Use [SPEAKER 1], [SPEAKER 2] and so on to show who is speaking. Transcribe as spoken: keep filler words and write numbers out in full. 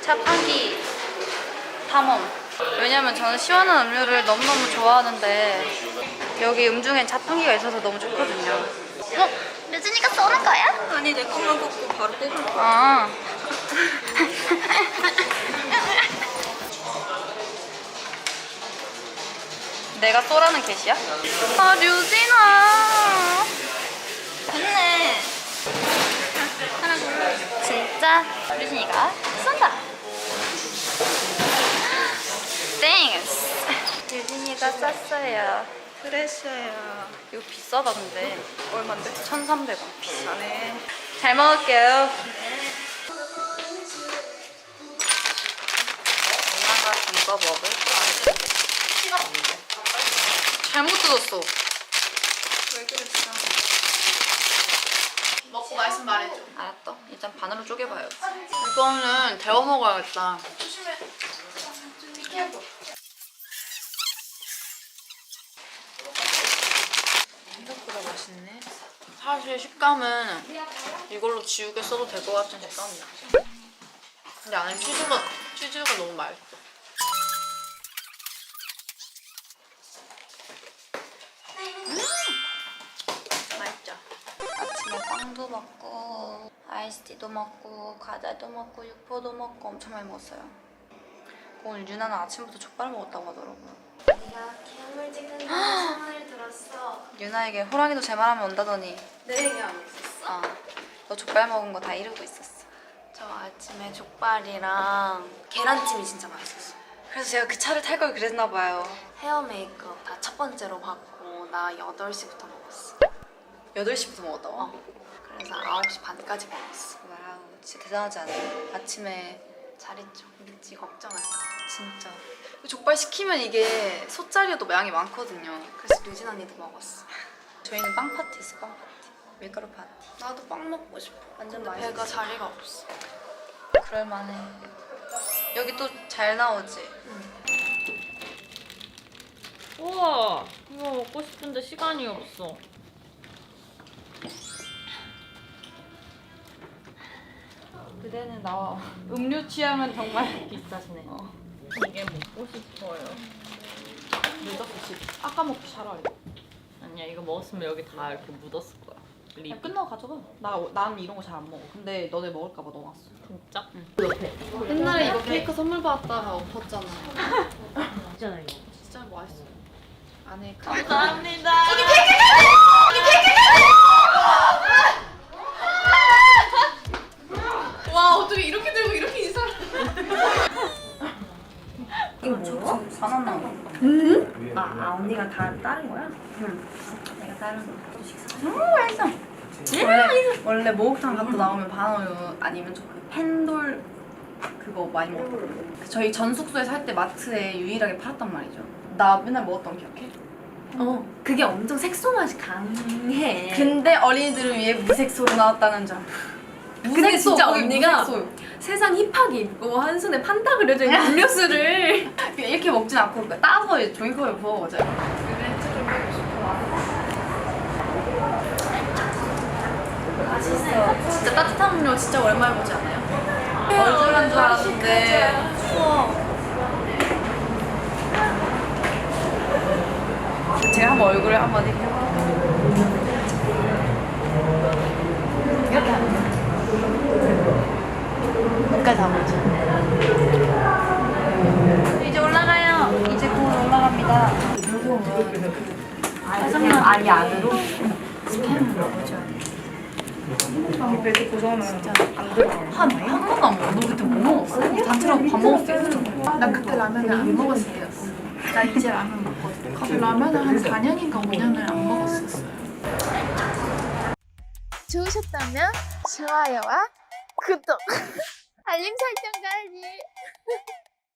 [SPEAKER 1] 자판기 탐험. 왜냐면 저는 시원한 음료를 너무너무 좋아하는데 여기 음중엔 자판기가 있어서 너무 좋거든요. 어? 류진이가 쏘는 거야?
[SPEAKER 2] 아니 내 것만 꽂고 바로 뽑을 거야.
[SPEAKER 1] 아. 내가 쏘라는 개시야? 아, 류진아. 됐네. 하나 골라. 진짜 류진이가 쏜다. 땡스. 류진이가 쐈어요.
[SPEAKER 2] 그랬어요.
[SPEAKER 1] 이거 비싸다 근데.
[SPEAKER 2] 얼만데?
[SPEAKER 1] 천삼백 원.
[SPEAKER 2] 비싸네.
[SPEAKER 1] 잘 먹을게요. 엄마가 이거 먹을까? 잘못 뜯었어.
[SPEAKER 2] 왜 그랬어? 먹고 말씀 말해줘.
[SPEAKER 1] 알았어. 일단 반으로 쪼개봐요. 이거는 데워 먹어야겠다.
[SPEAKER 2] 조심해. 생각보다 맛있네.
[SPEAKER 1] 사실 식감은 이걸로 지우개 써도 될 것 같은 식감이야. 근데 안에 치즈가, 치즈가 너무 맛있어. 음! 맛있죠? 아침에 빵도 먹고 아이스티도 먹고 과자도 먹고 육포도 먹고 엄청 많이 먹었어요. 오늘 유나는 아침부터 족발 먹었다고 하더라고요.
[SPEAKER 3] 네가 괴물지근한 소문을 들었어.
[SPEAKER 1] 유나에게 호랑이도 제 말하면 온다더니
[SPEAKER 3] 내 얘기 안 했었어?
[SPEAKER 1] 아, 너 족발 먹은 거 다 이러고 있었어.
[SPEAKER 3] 저 아침에 족발이랑 계란찜이 진짜 맛있었어.
[SPEAKER 1] 그래서 제가 그 차를 탈 걸 그랬나 봐요.
[SPEAKER 3] 헤어 메이크업 다 첫 번째로 받고 나 여덟 시부터 먹었어.
[SPEAKER 1] 여덟 시부터 먹었다고?
[SPEAKER 3] 어. 그래서 아홉 시 반까지 먹었어.
[SPEAKER 1] 와우, 진짜 대단하지 않아요? 아침에
[SPEAKER 3] 잘했죠. 믿지 걱정할까.
[SPEAKER 1] 진짜 족발 시키면 이게 솥자리여도 양이 많거든요.
[SPEAKER 3] 그래서 류진 언니도 먹었어.
[SPEAKER 1] 저희는 빵 파티 있어, 빵 파티. 밀가루 파티.
[SPEAKER 3] 나도 빵 먹고 싶어.
[SPEAKER 1] 완전
[SPEAKER 3] 근데
[SPEAKER 1] 맛있어.
[SPEAKER 3] 배가 자리가 없어.
[SPEAKER 1] 그럴만해. 여기 또 잘 나오지?
[SPEAKER 4] 우와, 이거 먹고 싶은데 시간이 없어. 그대는 나와. 음료 취향은 정말 비싸시네. 어. 이게 먹고 싶어요. 늦었어, 지금. 아까 먹기 차라리. 아니야, 이거 먹었으면 여기 다 이렇게 묻었을 거야. 립.
[SPEAKER 2] 야, 끝나고 가져가. 나, 난 이런 거 잘 안 먹어. 근데 너네 먹을까봐 넣어놨어.
[SPEAKER 4] 진짜? 응.
[SPEAKER 1] 옛날에 이거 케이크 선물 받았다가 엎었잖아.
[SPEAKER 4] 있잖아, 이거.
[SPEAKER 2] 진짜 맛있어. 안에 그
[SPEAKER 4] 감사합니다.
[SPEAKER 2] 와 어떻게 이렇게 들고 이렇게 인사를.
[SPEAKER 1] 이거 뭐야? 바나나.
[SPEAKER 2] 아, 아 언니가 다 다른 거야?
[SPEAKER 1] 내가 다른 거. 음, 맛있어. 원래, 원래 목욕탕 갔다 나오면 바나나 아니면 저그 펜돌 그거 많이 먹거든요. 저희 전 숙소에 살 때 마트에 유일하게 팔았단 말이죠. 나 맨날 먹었던 거 기억해?
[SPEAKER 3] 어, 그게 엄청 색소 맛이 강해.
[SPEAKER 1] 근데 어린이들을 위해 무색소로 나왔다는 점.
[SPEAKER 3] 근데 진짜
[SPEAKER 1] 거기
[SPEAKER 3] 언니가
[SPEAKER 1] 무색소요.
[SPEAKER 3] 세상 힙하게 입고 한 손에 판다 그려져 있는 음료수를
[SPEAKER 1] 이렇게 먹진 않고 따서 종이컵에 부어 먹어요. 맛있어. 진짜 따뜻한 음료 진짜 오랜만에 보지 않아요? 얼큰한 줄 알았는데 추워. 제가 한번 얼굴을 한번 이렇게 해봐. 이렇게 하면 여기까지 잡아야지. 이제 올라가요. 이제 곧 올라갑니다.
[SPEAKER 3] 그냥 아예 안으로
[SPEAKER 2] 이렇게 고정하면 진짜 안 들어가.
[SPEAKER 1] 한, 한 번도 안 먹어. 너 그때 뭐 먹었어? 단체랑 밥 먹을 수 있었잖아.
[SPEAKER 2] 난 그때 라면을 안 먹었을 때였어. 나 이제 라면 먹거든. 그 라면을 한 사 년인가 오 년을 안 먹었었어.
[SPEAKER 5] 좋으셨다면 좋아요와 구독, 알림 설정까지.